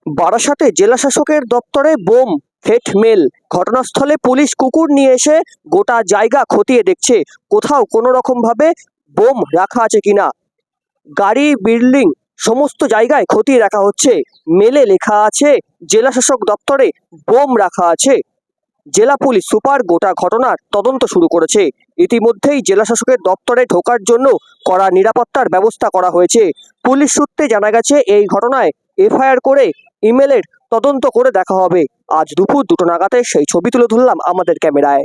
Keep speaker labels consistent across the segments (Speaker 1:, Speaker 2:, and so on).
Speaker 1: বারাসাতে জেলাশাসকের দপ্তরে বোম হেটমেল। ঘটনাস্থলে পুলিশ কুকুর নিয়ে এসে গোটা জায়গা খতিয়ে দেখছে কোথাও কোনো রকম ভাবে বোম রাখা আছে কিনা। গাড়ি, বিল্ডিং সমস্ত জায়গায় খতিয়ে রাখা হচ্ছে। মেলে লেখা আছে জেলাশাসক দপ্তরে বোম রাখা আছে। জেলা পুলিশ সুপার গোটা ঘটনার তদন্ত শুরু করেছে। ইতিমধ্যেই জেলাশাসকের দপ্তরে ঢোকার জন্য কড়া নিরাপত্তার ব্যবস্থা করা হয়েছে। পুলিশ সূত্রে জানা গেছে এই ঘটনায় এফআইআর করে ইমেলের তদন্ত করে দেখা হবে। আজ দুপুর 2টো নাগাদে সেই ছবি তুলে ধরলাম আমাদের ক্যামেরায়।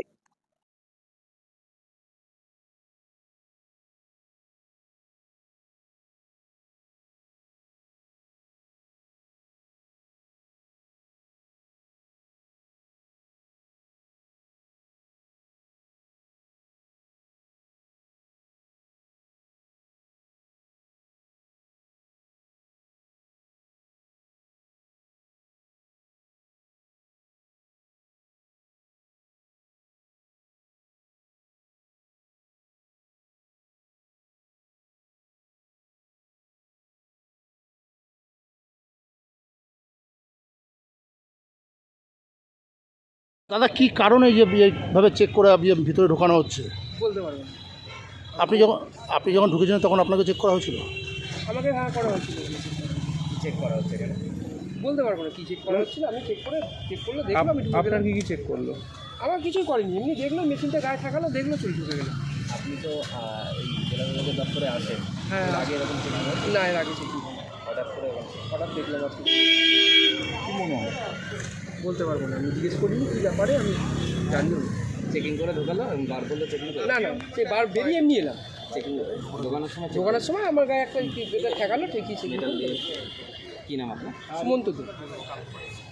Speaker 2: দাদা কি কারণে যে এইভাবে চেক করে ভিতরে ঢোকানো হচ্ছে?
Speaker 3: বলতে পারবেন না।
Speaker 2: আপনি যখন ঢুকেছিলেন তখন আপনাকে চেক করা হয়েছিল?
Speaker 3: আমাকে হ্যাঁ করা হচ্ছিল।
Speaker 4: চেক করা হচ্ছে কেন?
Speaker 3: বলতে পারবো না কী চেক করা হচ্ছিল। আমি চেক করলো দেখলাম আমি ঢুকে
Speaker 4: আপনার
Speaker 3: গেলাম।
Speaker 4: কি চেক করলো?
Speaker 3: আমার কিছুই করেনি, এমনি দেখলো মেশিনটা গায়ে থাকালো, দেখলো চলে ঢুকে গেলাম।
Speaker 4: আপনি তো এই জেলা বিভাগের দপ্তরে আসেন,
Speaker 3: হ্যাঁ।
Speaker 4: এর আগে এরকম চেক হয়?
Speaker 3: না, এর আগে চেক
Speaker 4: হঠাৎ করে
Speaker 3: হঠাৎ দেখলাম আর কি।
Speaker 4: কী মনে হয়?
Speaker 3: বলতে পারবো না, আমি জিজ্ঞেস করিনি কী ব্যাপারে, আমি জানিও না।
Speaker 4: চেকিং করে ঢোকালো, বার করলে চেকিং করে?
Speaker 3: না না, সে বার বেরিয়ে এমনি এলাম।
Speaker 4: চেকিং ঢোকানোর সময়
Speaker 3: ঢোকানোর সময় আমার গায়ে একটা এটা ঠেকালো, ঠেকিয়েছে।
Speaker 4: মেটাল দিয়ে। কী নাম আপনার?
Speaker 3: সুমন্ত দে।